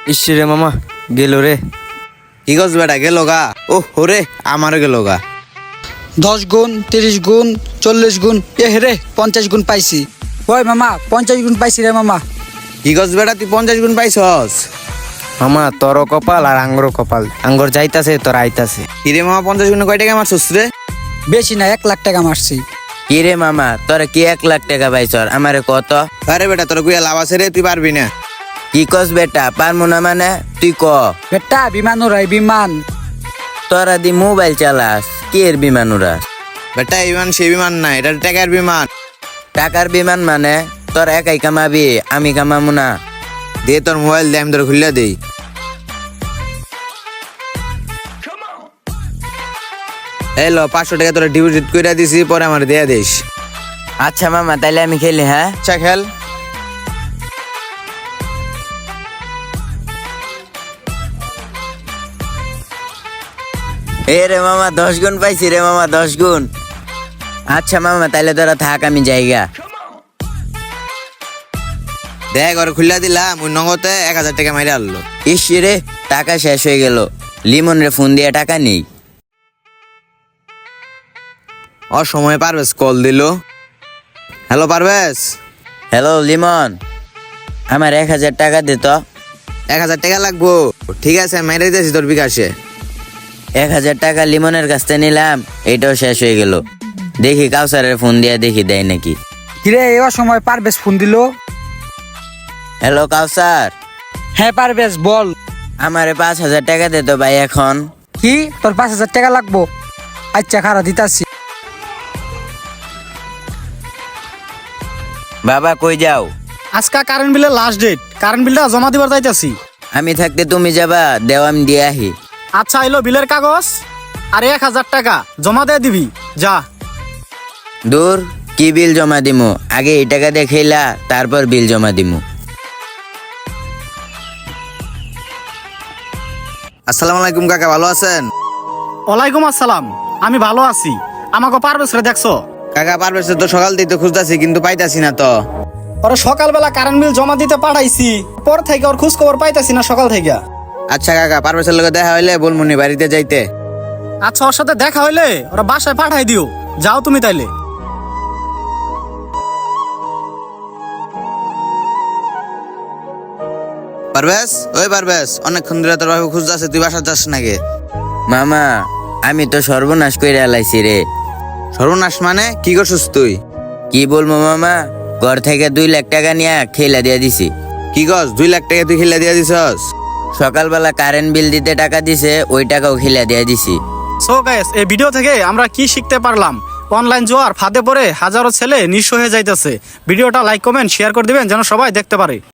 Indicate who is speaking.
Speaker 1: ইসরে মামা গেল রে।
Speaker 2: কি গছ বেটা গেল গা? ও হরে আমারও গেল গা।
Speaker 3: 10 গুণ 30 গুণ 40 গুণ রে 50 গুণ পাইছি। ওই মামা 50 গুণ পাইছি রে মামা।
Speaker 2: কি গছ বেটা তুই 50 গুণ পাইছস?
Speaker 1: মামা তোর কপাল আর আঙ্গর কপাল, আঙ্গর যাইতাছে তোর আইতাছে।
Speaker 2: কিরে মামা 50 গুণে কয় টাকা মারছস রে?
Speaker 3: বেশি না 1 লাখ টাকা মারছি।
Speaker 4: কি রে মামা তোরা কি 1 লাখ টাকা পাইছর? আমারে কত?
Speaker 2: আরে বেটা তোর গুয়া লাভ আছে রে, তুই পারবি না।
Speaker 4: কি কস বেটা পারমু না মানে? তুই ক।
Speaker 3: বেটা বিমান উড়াই বিমান।
Speaker 4: তোরা দি মোবাইল চালাস, কি এর বিমান উড়াস?
Speaker 2: বেটা এই বিমান সেই বিমান না, এটা টাকার বিমান।
Speaker 4: টাকার বিমান মানে? তোর একাই কামাবি, আমি কামামু না।
Speaker 2: দে তোর মোবাইল দে, আমি তোর খুললে দেই। এই ল 500 টাকা তোরা ডিপোজিট কইরা দিছি, পরে আমার দেয়া দিস।
Speaker 4: আচ্ছা মামা তাইলে আমি খেলি, হ্যাঁ?
Speaker 2: আচ্ছা খেল।
Speaker 4: এ রে মামা 10 গুণ পাইছি রে মামা, 10 গুণ। আচ্ছা মামা তাইলে তোরা থাক, আমি যাইগা।
Speaker 2: দেখ ঘরে খুললা দিলাম, ওই নগদে 1000 টাকা মাইরে আনলো।
Speaker 4: ইস রে টাকা শেষ হয়ে গেল। লিমন রে ফোন দিয়ে টাকা নেই।
Speaker 2: অসময়ে পারভেজ কল দিল। হ্যালো পারভেজ।
Speaker 4: হ্যালো লিমন, আমার 1000 টাকা দে তো।
Speaker 2: 1000 টাকা লাগবো? ঠিক আছে মেরে দিয়েছি তোর বিকাশে।
Speaker 4: 1000 টাকা লিমনের কাছ থেকে নিলাম, এটাও শেষ হয়ে গেল। দেখি কাউসারের ফোন দিয়ে দেখি দেয় নাকি।
Speaker 3: কিরে এই সময় পারবেশ ফোন দিল।
Speaker 4: হ্যালো কাউসার।
Speaker 3: হ্যাঁ পারবেশ বল।
Speaker 4: আমারে 5000 টাকা দে তো ভাই এখন।
Speaker 3: কি তোর 5000 টাকা লাগবো? আচ্ছা খারা দিতাছি।
Speaker 4: বাবা কই যাও?
Speaker 5: আজকা কারেন্ট বিলের লাস্ট ডেট, কারেন্ট বিলটা জমা দিবার যাইতাছি।
Speaker 4: আমি থাকতে তুমি যাবা? দেও আমি দিয়ে আহি।
Speaker 5: আচ্ছা এলো বিলের কাগজ আর 1000 টাকা জমা দিয়ে দিবি, যা।
Speaker 4: দূর, কি বিল জমা দিমু? আগে এই টাকা দিয়ে খেলা, তারপর বিল জমা দিমু।
Speaker 2: আসসালামু আলাইকুম কাকা, ভালো আছেন?
Speaker 5: ওয়ালাইকুম আসসালাম, আমি ভালো আছি। আমাকে পারবেশ রে দেখছো?
Speaker 2: কাকা পারভেজ তো সকাল থেকে তো খুঁজতাছি কিন্তু পাইতাছি না তো।
Speaker 5: ওরা সকালবেলা কারেন্ট বিল জমা দিতে পাঠাইছি, পর থেকে ওর খোঁজ খবর পাইতাছি না সকাল থেকে।
Speaker 2: আচ্ছা কাকা পারভেজের লগে দেখা হইলে বলমুনি বাড়িতে যাইতে।
Speaker 5: আচ্ছা ওর সাথে দেখা হইলে ওরা বাসায় পাঠাই দিও, যাও তুমি তাইলে।
Speaker 2: পারভেজ, ওই পারভেজ, অনেকক্ষণ ধরে তোর বাবু খুঁজতাছে, তুই বাসা যাস নাকি?
Speaker 4: মামা আমি তো সর্বনাশ কইরা আলাইছি রে।
Speaker 2: সর্বনাশ মানে কি করছিস তুই?
Speaker 4: কি বলবো মামা, ঘর থেকে 2 লাখ টাকা নিয়ে খেলা দিয়ে দিছি।
Speaker 2: কি গছ 2 লাখ টাকা তুই খেলে দিয়া দিছস?
Speaker 4: সকালবেলা কারেন্ট বিল দিতে টাকা দিছে, ওই টাকাও খেলা দিয়ে দিছি।
Speaker 5: সো গাইস, এই ভিডিও থেকে আমরা কি শিখতে পারলাম? অনলাইন জোয়ার ফাঁদে পড়ে হাজারো ছেলে নিঃস্ব হয়ে যাইতেছে। ভিডিওটা লাইক কমেন্ট শেয়ার করে দিবেন যেন সবাই দেখতে পারে।